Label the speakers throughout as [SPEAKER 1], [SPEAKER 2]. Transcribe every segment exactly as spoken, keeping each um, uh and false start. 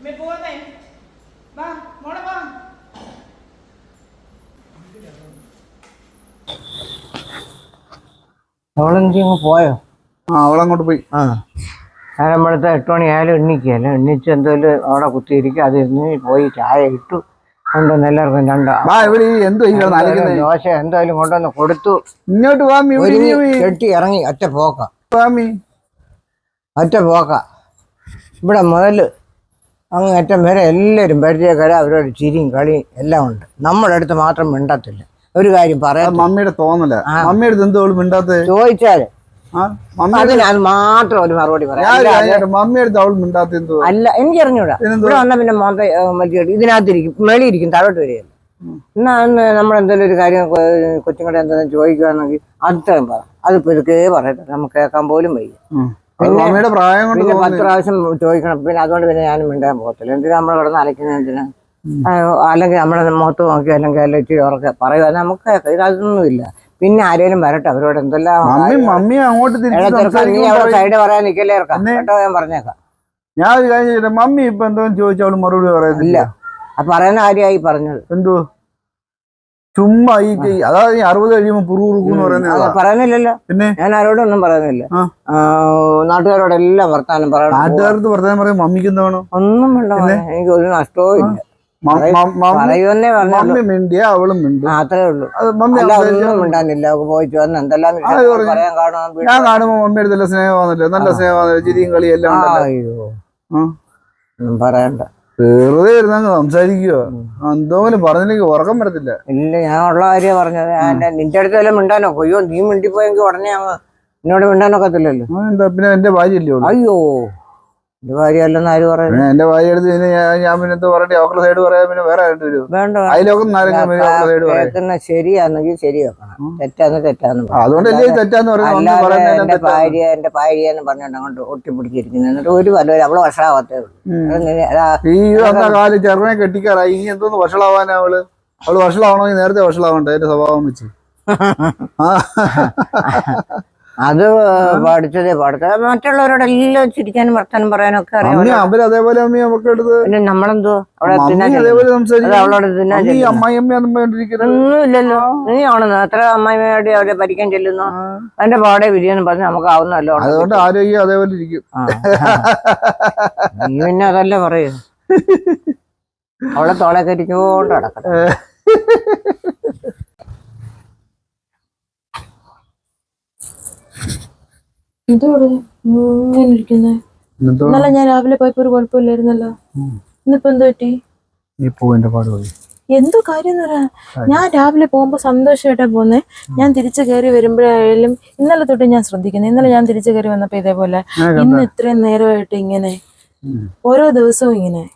[SPEAKER 1] അവളെനിക്കങ്ങ് പോയോ?
[SPEAKER 2] ആ അവളങ്ങോട്ട് പോയി.
[SPEAKER 1] ആ നമ്മളത്തെ എട്ട് മണി ആയാലും എണ്ണിക്കുകയല്ല, എണ്ണിച്ച് എന്തായാലും അവിടെ കുത്തിയിരിക്കും. അത് ഇരുന്ന് പോയി ചായ ഇട്ടു കൊണ്ടുവന്ന് എല്ലാവർക്കും രണ്ടോ ദോശ എന്തായാലും കൊണ്ടുവന്ന് കൊടുത്തു.
[SPEAKER 2] ഇങ്ങോട്ട്
[SPEAKER 1] കെട്ടി ഇറങ്ങി ഒറ്റ പോക്ക ഒറ്റ പോക്ക ഇവിടെ മുതൽ അങ്ങ് അറ്റം വരെ എല്ലാവരും പരിചയക്കാര, അവരോട് ചിരിയും കളിയും എല്ലാം ഉണ്ട്. നമ്മുടെ അടുത്ത് മാത്രം മിണ്ടത്തില്ല. ഒരു കാര്യം പറയാം,
[SPEAKER 2] മമ്മിയുടെ തോന്നല. മമ്മിയുടെ എന്തോളും മിണ്ടാത്ത
[SPEAKER 1] ചോദിച്ചാല് അതിന് അത് മാത്രം ഒരു മറുപടി പറയാം.
[SPEAKER 2] മമ്മിയുടെ അവൾ മിണ്ടാത്ത എന്തോ
[SPEAKER 1] അല്ല, എനിക്ക് അറിഞ്ഞൂടാ. ഇവിടെ വന്നാൽ പിന്നെ മോന്ത മറ്റേ ഇതിനകത്തിരിക്കും, മേളിയിരിക്കും, താഴോട്ട് വരികയല്ല. എന്നാ അന്ന് നമ്മളെന്തെങ്കിലും ഒരു കാര്യം കൊച്ചുങ്ങളെ എന്തെങ്കിലും ചോദിക്കുകയാണെങ്കിൽ അത്രയും പറ. അതിപ്പോ ഇതൊക്കെ പറയട്ടെ, നമുക്ക് കേൾക്കാൻ പോലും വയ്യ.
[SPEAKER 2] പിന്നെ
[SPEAKER 1] പിന്നെ പത്ത് പ്രാവശ്യം ചോദിക്കണം. പിന്നെ അതുകൊണ്ട് പിന്നെ ഞാനും മിണ്ടാൻ പോകത്തില്ല. എന്തിനാ നമ്മൾ കിടന്ന് അലക്കുന്നത്? എന്തിനാ? അല്ലെങ്കിൽ നമ്മളെ മുഖത്ത് നോക്കി അല്ലെങ്കിൽ അല്ല ഇച്ചിരി ഉറക്കെ പറയുക, നമുക്ക് ഇതൊന്നുമില്ല. പിന്നെ ആരേലും വരട്ടെ, അവരോട് എന്തെല്ലാം സൈഡ് പറയാൻ നിൽക്കല്ലേ ഇറക്കാം കേട്ടോ, ഞാൻ പറഞ്ഞേക്കാം.
[SPEAKER 2] ഞാൻ ഒരു കാര്യം, മമ്മി ഇപ്പൊ എന്തോ ചോദിച്ചാൽ മറുപടി പറയുന്നില്ല.
[SPEAKER 1] അപ്പൊ പറയുന്ന കാര്യമായി പറഞ്ഞത്
[SPEAKER 2] എന്തോ ചുമ്മാ ഈ അതായത് അറുപത് കഴിയുമ്പോ പുറുകുറുന്ന് പറയുന്നത്
[SPEAKER 1] പറയുന്നില്ലല്ലോ. പിന്നെ ഞാൻ ആരോടൊന്നും പറയുന്നില്ല. നാട്ടുകാരോടെല്ലാം വർത്താനം പറയണം.
[SPEAKER 2] നാട്ടുകാർക്ക് വർത്താനം പറയാൻ മമ്മിക്ക് എന്താണോ?
[SPEAKER 1] ഒന്നും വേണ്ട, എനിക്ക് ഒരു നഷ്ടവും ഇല്ല. പറയുന്നേ പറഞ്ഞു
[SPEAKER 2] മിണ്ടിയ അവളും മിണ്ടും,
[SPEAKER 1] അത്രേ ഉള്ളൂ. ഒന്നും മിണ്ടാനില്ല. പോയിട്ട് വന്ന് എന്തെല്ലാം പറയാൻ കാണും.
[SPEAKER 2] ഞാൻ കാണുമ്പോ മമ്മിയുടെ നല്ല സ്നേഹമാണല്ലോ, നല്ല സ്നേഹമാണല്ലോ, ചിരിയും കളി എല്ലാം.
[SPEAKER 1] അയ്യോ പറയണ്ട,
[SPEAKER 2] വെറുതെ ഇരുന്നങ്ങ് സംസാരിക്കുക. എന്തോലും പറഞ്ഞില്ലെങ്കിൽ ഉറക്കം വരത്തില്ല.
[SPEAKER 1] ഇല്ല, ഞാൻ ഉള്ള കാര്യം പറഞ്ഞത്. നിന്റെ അടുത്ത് വല്ലതും മിണ്ടാനോ? അയ്യോ നീ മിണ്ടിപ്പോയെങ്കിൽ ഉടനെ അങ്ങ് എന്നോട് മിണ്ടാനൊക്കത്തില്ലല്ലോ.
[SPEAKER 2] എന്താ പിന്നെ എന്റെ ഭാര്യ അല്ലേ?
[SPEAKER 1] അയ്യോ എന്റെ ഭാര്യ അല്ലെന്ന് ആര് പറയുന്നത്?
[SPEAKER 2] എന്റെ ഭാര്യ എടുത്ത് ഞാൻ പിന്നെ എന്താ പറയട്ടെ, അവരുടെ സൈഡ് പറയാൻ പിന്നെ വേറെ
[SPEAKER 1] വേണ്ട. ശരിയാണെങ്കിൽ ശരി വെക്കണം, തെറ്റാന്ന് തെറ്റാന്ന്.
[SPEAKER 2] അതുകൊണ്ടല്ലേ തെറ്റാന്ന് പറയുന്നത്.
[SPEAKER 1] എന്റെ ഭാര്യ എന്റെ ഭാര്യ എന്ന് പറഞ്ഞോണ്ട് അങ്ങോട്ട് ഒട്ടിപ്പിടിച്ചിരിക്കുന്നു. എന്നിട്ട് ഒരു വല്ല അവള് വഷളാവത്തേ ഉള്ളൂ.
[SPEAKER 2] ഈ വന്ന കാലം ചെറുനെ കെട്ടിക്കാറായി, ഇനി എന്തോന്ന് വഷളാവാനാ? അവള് അവള് വഷളാവണമെങ്കിൽ നേരത്തെ വഷളാവണ്ടേ എന്റെ സ്വഭാവം വെച്ച്.
[SPEAKER 1] അത് പഠിച്ചതേ പഠിച്ച മറ്റുള്ളവരോടെല്ലാം ചിരിക്കാനും വർത്താനം പറയാനും ഒക്കെ അറിയാം.
[SPEAKER 2] അവരതേപോലെ
[SPEAKER 1] പിന്നെ നമ്മളെന്തോ അവളോട്
[SPEAKER 2] ഒന്നുമില്ലല്ലോ.
[SPEAKER 1] നീ ആണെന്ന് എത്ര അമ്മായിമ്മയോട് അവരെ ഭരിക്കാൻ ചെല്ലുന്നു. അതിന്റെ പാടെ വിരിയെന്ന് പറഞ്ഞ് നമുക്ക് ആവുന്നല്ലോ.
[SPEAKER 2] അതുകൊണ്ട് ആരോഗ്യം അതേപോലെ ഇരിക്കും.
[SPEAKER 1] നീ പിന്നെ അതല്ലേ പറയൂ. അവളെ തോളെ കരിച്ചോണ്ട് നടക്കണം.
[SPEAKER 3] എന്തോടെ ഇങ്ങനെ ഇരിക്കുന്നേ? ഇന്നലെ ഞാൻ രാവിലെ പോയപ്പോ ഒരു കുഴപ്പമില്ലായിരുന്നല്ലോ, ഇന്നിപ്പോ എന്തോ പറ്റി? എന്തോ കാര്യം പറയാ. ഞാൻ രാവിലെ പോകുമ്പോ സന്തോഷമായിട്ടാ പോന്നേ. ഞാൻ തിരിച്ചു കയറി വരുമ്പോഴായാലും ഇന്നലെ തൊട്ട് ഞാൻ ശ്രദ്ധിക്കുന്നത്. ഇന്നലെ ഞാൻ തിരിച്ചു കയറി വന്നപ്പോ ഇതേപോലെ, ഇന്ന് ഇത്രയും നേരമായിട്ട് ഇങ്ങനെ ഓരോ ദിവസവും ഇങ്ങനെ.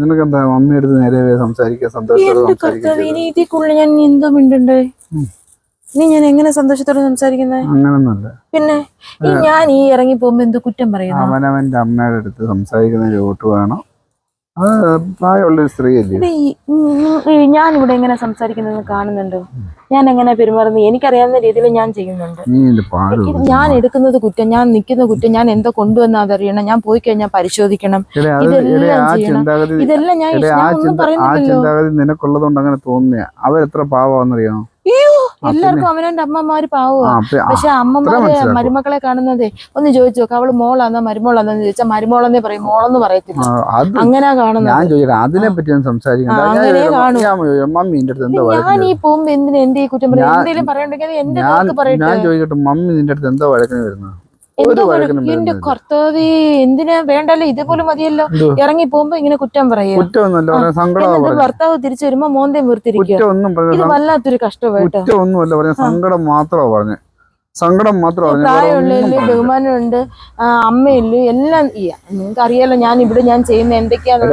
[SPEAKER 3] എന്റെ കർത്താവ്, ഇനി ഇതിക്കുള്ളിൽ ഞാൻ എന്തോ മിണ്ടണ്ടേ? നീ ഞാൻ എങ്ങനെ സന്തോഷത്തോടെ സംസാരിക്കുന്നത്?
[SPEAKER 2] അങ്ങനൊന്നുമല്ല.
[SPEAKER 3] പിന്നെ ഈ ഞാൻ ഈ ഇറങ്ങി പോകുമ്പോ എന്ത് കുറ്റം പറയുന്നു?
[SPEAKER 2] അവനവന്റെ അമ്മയുടെ അടുത്ത് സംസാരിക്കുന്നതിന് വോട്ട് വേണം. അത് പ്രായമുള്ളൊരു സ്ത്രീ അല്ലേ.
[SPEAKER 3] ഞാൻ ഇവിടെ എങ്ങനെ സംസാരിക്കുന്നത് കാണുന്നുണ്ട്. ഞാൻ എങ്ങനെ പെരുമാറുന്നത് എനിക്കറിയാവുന്ന രീതിയിൽ ഞാൻ ചെയ്യുന്നുണ്ട്. ഞാൻ എടുക്കുന്നത് കുറ്റം, ഞാൻ നിൽക്കുന്ന കുറ്റം, ഞാൻ എന്തോ കൊണ്ടുവന്ന അതറിയണം. ഞാൻ പോയി കഴിഞ്ഞാൽ പരിശോധിക്കണം. ഇതെല്ലാം ചെയ്യണം. ഇതെല്ലാം ഞാൻ ഒന്നും പറയുന്നില്ലല്ലോ.
[SPEAKER 2] നിനക്കുള്ളതുകൊണ്ട് അങ്ങനെ തോന്നുക. അവരെത്ര പാവാന്നറിയാമോ?
[SPEAKER 3] എല്ലാവർക്കും അവനവന്റെ അമ്മമാര് പാവുക. പക്ഷെ അമ്മമാര് മരുമക്കളെ കാണുന്നതേ ഒന്ന് ചോദിച്ചു നോക്കാം. അവള് മോളാന്നോ മരുമോളാന്നോന്ന് ചോദിച്ചാൽ മരുമോളെന്നേ പറയും, മോളെന്ന് പറയത്തില്ല. അങ്ങനെ കാണുന്നത്.
[SPEAKER 2] അതിനെ പറ്റി
[SPEAKER 3] അങ്ങനെ കാണും. ഞാൻ ഈ പോകുമ്പോ എന്തിനാ എന്റെ ഈ കുറ്റം പറയാം? എന്തെങ്കിലും പറയണ്ടെങ്കിൽ എന്റെ പറയട്ടെ.
[SPEAKER 2] മമ്മി നിന്റെ അടുത്ത് എന്താ വഴക്കിന് വരുന്നത്?
[SPEAKER 3] എന്റെ കർത്താവേ, എന്തിനാ? വേണ്ടല്ലോ, ഇതേപോലെ മതിയല്ലോ. ഇറങ്ങി പോകുമ്പോ ഇങ്ങനെ കുറ്റം പറയും. എന്നിട്ട് ഭർത്താവ് തിരിച്ചു വരുമ്പോ മോന്തയും വീർത്തിരിക്കുക. ഇത് വല്ലാത്തൊരു കഷ്ടമായിട്ട്.
[SPEAKER 2] സങ്കടം മാത്രമാ പറഞ്ഞത്. സങ്കടം മാത്രമാണ്.
[SPEAKER 3] പ്രായമുള്ളതില് ബഹുമാനമുണ്ട്, അമ്മയില് എല്ലാം. നിങ്ങൾക്ക് അറിയാലോ ഞാൻ ഇവിടെ ഞാൻ ചെയ്യുന്ന എന്തൊക്കെയാന്ന്.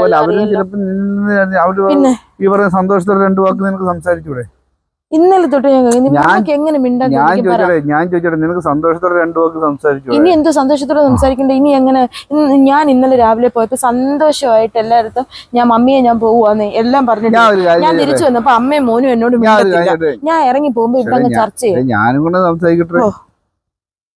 [SPEAKER 2] പിന്നെ ഈ പറയുന്ന സന്തോഷത്തോടെ രണ്ടു വാക്ക് നിനക്ക് സംസാരിച്ചൂടെ?
[SPEAKER 3] ഇന്നലെ തൊട്ട് ഞാൻ എങ്ങനെ മിണ്ടാൻ?
[SPEAKER 2] ഞാൻ ചോദിച്ചോട്ടെ, നിനക്ക് സന്തോഷത്തോടെ രണ്ടു വാക്ക് സംസാരിച്ചു?
[SPEAKER 3] ഇനി എന്തോ സന്തോഷത്തോടെ സംസാരിക്കണ്ടേ? ഇനി എങ്ങനെ? ഞാൻ ഇന്നലെ രാവിലെ പോയപ്പോ സന്തോഷമായിട്ട് എല്ലായിടത്തും ഞാൻ മമ്മിയെ ഞാൻ പോവാന്ന് എല്ലാം പറഞ്ഞിട്ട് ഞാൻ തിരിച്ചു വന്നപ്പോ അമ്മയും മോനും എന്നോട് മിണ്ടത്തില്ല. ഞാൻ ഇറങ്ങി പോകുമ്പോ ഇവിടെ ചർച്ച ചെയ്യും.
[SPEAKER 2] ഞാനും കൂടെ സംസാരിക്കട്ടെ.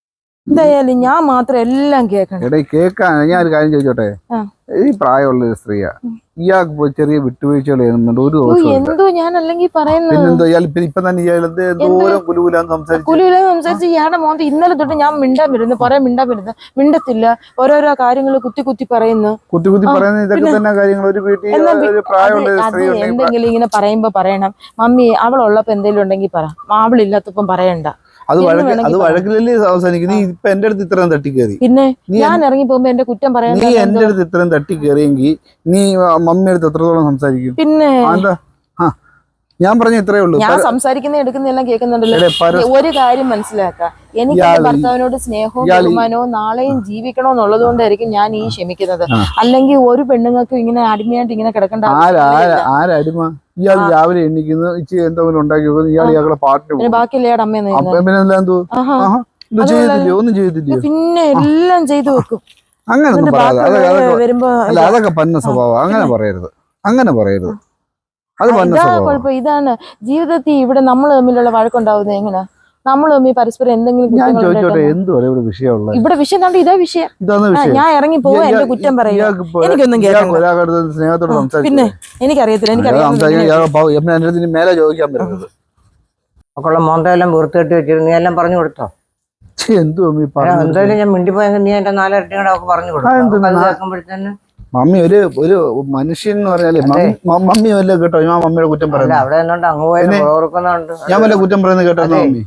[SPEAKER 3] എന്തായാലും ഞാൻ മാത്രം എല്ലാം കേൾക്കണം.
[SPEAKER 2] എടേ കേക്കാൻ ഞാൻ ഒരു കാര്യം ചോദിച്ചോട്ടെ,
[SPEAKER 3] ആ.
[SPEAKER 2] ഈ പ്രായമുള്ള ഒരു സ്ത്രീയാ, ഇയാൾക്ക് പോയി ചെറിയ വിട്ടുവീഴ്ചകൾ ചെയ്യുന്നുണ്ട്, ഒരു
[SPEAKER 3] ഓ,
[SPEAKER 2] ദോഷവും ഇല്ല.
[SPEAKER 3] എന്തോ ഞാൻ അല്ലെങ്കിൽ പറയുന്നത്
[SPEAKER 2] പിന്നെന്തോ ഇയാൾ ഇപ്പൊ ഇപ്പൊ തന്നെ ഇയാൾ എന്ത് എന്തോരം കുലുകുലാന്ന് സംസാരിച്ചു.
[SPEAKER 3] കുലുവിലെ സംസാരിച്ച് ഇയാളുടെ മോന്ത് ഇന്നലെ തൊട്ട് ഞാൻ മിണ്ടാൻ വരുന്നു, പറയാൻ മിണ്ടാൻ വരുന്നു, മിണ്ടത്തില്ല, ഓരോരോ കാര്യങ്ങൾ കുത്തി കുത്തി പറയുന്നു.
[SPEAKER 2] കുത്തി കുത്തി പറയുന്ന ഇതൊക്കെ തന്നെ കാര്യങ്ങൾ. ഒരു വീട്ടിൽ
[SPEAKER 3] എന്നാ
[SPEAKER 2] ഒരു പ്രായമുള്ള ഒരു
[SPEAKER 3] അത്
[SPEAKER 2] സ്ത്രീ ഉണ്ടെങ്കിൽ
[SPEAKER 3] എന്തെങ്കിലും ഇങ്ങനെ പറയുമ്പോ പറയണം, മമ്മി അവളുള്ളപ്പോ എന്തെങ്കിലും ഉണ്ടെങ്കിൽ പറ, അവളില്ലാത്തപ്പം പറയണ്ട.
[SPEAKER 2] അത്
[SPEAKER 3] എന്ന്
[SPEAKER 2] വഴക്ക്
[SPEAKER 3] വേണമെങ്കിൽ
[SPEAKER 2] അത്
[SPEAKER 3] പറയാം.
[SPEAKER 2] വഴക്കിലല്ലേ അവസാനിക്കും. നീ ഇപ്പൊ എന്റെ അടുത്ത് ഇത്രയും തട്ടിക്കേറി,
[SPEAKER 3] പിന്നെ
[SPEAKER 2] നീ
[SPEAKER 3] ഞാൻ ഇറങ്ങി പോകുമ്പോ എന്റെ കുറ്റം പറയാൻ
[SPEAKER 2] നീ എന്റെ അടുത്ത് ഇത്രയും തട്ടിക്കേറിയെങ്കിൽ നീ മമ്മിയുടെ അടുത്ത് എത്രത്തോളം സംസാരിക്കും?
[SPEAKER 3] പിന്നെ
[SPEAKER 2] ആ, എന്താ ആ ഞാൻ പറഞ്ഞ ഇത്രേ ഉള്ളൂ.
[SPEAKER 3] ഞാൻ സംസാരിക്കുന്ന എടുക്കുന്നെല്ലാം കേൾക്കുന്നുണ്ടല്ലോ.
[SPEAKER 2] എടേ, പര-
[SPEAKER 3] ഒരു കാര്യം മനസ്സിലാക്കാം, എനിക്ക് എന്റെ ഭർത്താവിനോട് സ്നേഹവും ബഹുമാനവും നാളെയും ജീവിക്കണോ എന്നുള്ളത് കൊണ്ടായിരിക്കും ഞാൻ ഈ ക്ഷമിക്കുന്നത്. അല്ലെങ്കിൽ ഒരു പെണ്ണുങ്ങൾക്കും ഇങ്ങനെ അടിമയായിട്ട് ഇങ്ങനെ കിടക്കേണ്ട
[SPEAKER 2] ആരാ
[SPEAKER 3] ആവശ്യമില്ല.
[SPEAKER 2] ആരാ ആരടിമ? ഇയാൾ രാവിലെ എണ്ണിക്കുന്നു, ഇച്ചിരി എന്തെങ്കിലും ഉണ്ടാക്കി വെക്കുന്നു, ഇയാൾ ഇയാളുടെ പാട്ടിന്
[SPEAKER 3] പിന്നെ
[SPEAKER 2] പോകും.
[SPEAKER 3] ബാക്കിയുള്ള അമ്മയെന്ന്
[SPEAKER 2] അപ്പൊ പിന്നെ എല്ലാം എന്തോ
[SPEAKER 3] ആഹാ.
[SPEAKER 2] ആഹാ ഇത്
[SPEAKER 3] അതുപോലെ
[SPEAKER 2] ചെയ്തില്ലയോ? ഒന്നും ചെയ്തില്ലയോ?
[SPEAKER 3] പിന്നെ എല്ലാം ചെയ്തു വെക്കും.
[SPEAKER 2] അങ്ങനൊന്നും
[SPEAKER 3] എന്നിട്ട്
[SPEAKER 2] പറയാതെ. അതൊക്കെ
[SPEAKER 3] ബാക്കിയുള്ളവര്
[SPEAKER 2] അതൊക്കെ
[SPEAKER 3] വരുമ്പോ
[SPEAKER 2] അല്ല, അതൊക്കെ പന്ന സ്വഭാവം. അങ്ങനെ പറയരുത്, അങ്ങനെ പറയരുത്. അത് പന്ന
[SPEAKER 3] ഇതാ
[SPEAKER 2] സ്വഭാവം.
[SPEAKER 3] കുഴപ്പം. ഇതാണ് ജീവിതത്തിൽ ഇവിടെ നമ്മൾ തമ്മിലുള്ള വഴക്കുണ്ടാവുന്നത്. എങ്ങനെ നമ്മൾ തമ്മിൽ പരസ്പരം എന്തെങ്കിലും
[SPEAKER 2] ഞാൻ
[SPEAKER 3] കുറ്റങ്ങൾ
[SPEAKER 2] ചോദിച്ചോട്ടെ,
[SPEAKER 3] ഉണ്ടായിട്ടാ-
[SPEAKER 2] എന്തുവാ ഇവിടെ വിഷയമുള്ളത്?
[SPEAKER 3] ഇവിടെ വിഷയം കണ്ട് ഇതാ വിഷയം.
[SPEAKER 2] ഇതാണ്
[SPEAKER 3] ആ,
[SPEAKER 2] വിഷയം.
[SPEAKER 3] ഞാൻ ഇറങ്ങി പോവാ, എന്റെ കുറ്റം പറയുക, എനിക്കൊന്നും കേൾക്കണ്ട.
[SPEAKER 2] ഒരാളുടെ സ്നേഹത്തോട്
[SPEAKER 3] പിന്നെ
[SPEAKER 2] സംസാരിച്ചു
[SPEAKER 3] എനിക്കറിയത്തില്ല, എനിക്കറിയാം.
[SPEAKER 2] എന്റെ അടുത്ത് മേലെ ചോദിക്കാൻ പറ്റുന്നത്
[SPEAKER 1] മക്കളുടെ മോന്തെല്ലാം വൃത്തികെട്ടി വെച്ചിരുന്നു, നീ എല്ലാം പറഞ്ഞു കൊടുത്തോ?
[SPEAKER 2] എന്തുവാ ഈ പറഞ്ഞത്?
[SPEAKER 1] എന്തായാലും ഞാൻ മിണ്ടിപ്പോയെങ്കിൽ നീ എന്റെ നാലിരട്ടി കൂടെ അവർക്ക് പറഞ്ഞു കൊടുക്കും. അത് കേൾക്കുമ്പോഴത്തേന്
[SPEAKER 2] മമ്മി ഒരു ഒരു മനുഷ്യൻ എന്ന് പറഞ്ഞാല് മമ്മി- മമ്മി വല്ല കേട്ടോ ഞാൻ മമ്മിയുടെ കുറ്റം
[SPEAKER 1] അല്ല,
[SPEAKER 2] പറയുന്നത്?
[SPEAKER 1] അവിടെ നിന്നുണ്ട് അങ്ങ് പോയാലും ഓർക്കുന്നുണ്ട്.
[SPEAKER 2] ഞാൻ വല്ല കുറ്റം പറയുന്നത് കേട്ടോ മമ്മി?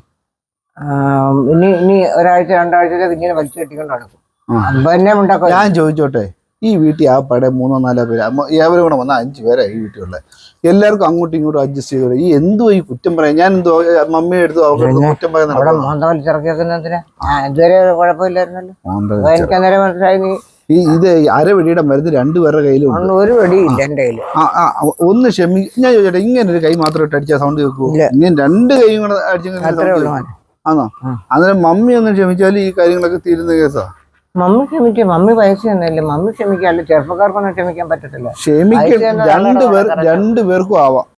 [SPEAKER 1] ഇനി ഇനി ഒരാഴ്ച രണ്ടാഴ്ചയിലേക്ക് ഇങ്ങനെ വലിച്ചു കെട്ടിക്കൊണ്ട് നടക്കും.
[SPEAKER 2] ആ.
[SPEAKER 1] അപ്പൊ എന്നെ ഉണ്ടാക്കും.
[SPEAKER 2] ഞാൻ ചോദിച്ചോട്ടെ, ഈ വീട്ടിൽ ആ പടം മൂന്നോ നാലോ പേര് ഏവരും കൂടെ വന്ന അഞ്ചു പേരാ ഈ വീട്ടിലുള്ള. എല്ലാവർക്കും അങ്ങോട്ടും ഇങ്ങോട്ടും അഡ്ജസ്റ്റ് ചെയ്തോളൂ. ഈ എന്തോ ഈ കുറ്റം പറയാം? ഞാൻ എന്തോ മമ്മിയെ എടുത്തു അവർക്ക് കുറ്റം
[SPEAKER 1] അവിടെ
[SPEAKER 2] പറയുന്നത്?
[SPEAKER 1] മോന്ത വലിച്ചിറക്കിയേക്കുന്നതിന് ഇതുവരെ കുഴപ്പമില്ലായിരുന്നല്ലോ. അപ്പൊ എനിക്ക് അന്നേരം മനസ്സിലായി നീ
[SPEAKER 2] ഈ ഇത് അരവെടിയുടെ മരുന്ന് രണ്ടുപേരുടെ കയ്യിലും ഉണ്ട്.
[SPEAKER 1] ഒന്നും ഒരു വെടിയില്ല എന്റെ കയ്യില്.
[SPEAKER 2] ആ ആ ഒന്ന് ക്ഷമി. ഞാൻ ചോദിച്ചോട്ടെ, ഇങ്ങനെ ഒരു കൈ മാത്രം ഇട്ട് അടിച്ചാൽ സൗണ്ട് കേൾക്കുമോ?
[SPEAKER 1] ഇല്ല.
[SPEAKER 2] ഇങ്ങനെ രണ്ട് കൈയും കൂടെ
[SPEAKER 1] അത്രേ ഉള്ളൂ.
[SPEAKER 2] അടിച്ചെങ്കിൽ ആണോ?
[SPEAKER 1] ആ.
[SPEAKER 2] അന്നേരം മമ്മി ഒന്ന് ക്ഷമിച്ചാൽ ഈ കാര്യങ്ങളൊക്കെ തീരുന്ന കേസാ.
[SPEAKER 1] മമ്മി ക്ഷമിക്കും, മമ്മി വയസ്സ് തന്നെയല്ലേ, മമ്മി ക്ഷമിക്കാല്ലോ. ചെറുപ്പക്കാർക്കൊന്നും ക്ഷമിക്കാൻ പറ്റത്തില്ല.
[SPEAKER 2] ക്ഷമിക്ക
[SPEAKER 1] വയസ്സ് ചെന്ന
[SPEAKER 2] രണ്ടു പേർ
[SPEAKER 1] ആളാണ്
[SPEAKER 2] രണ്ടു പേർക്കും ആവാം.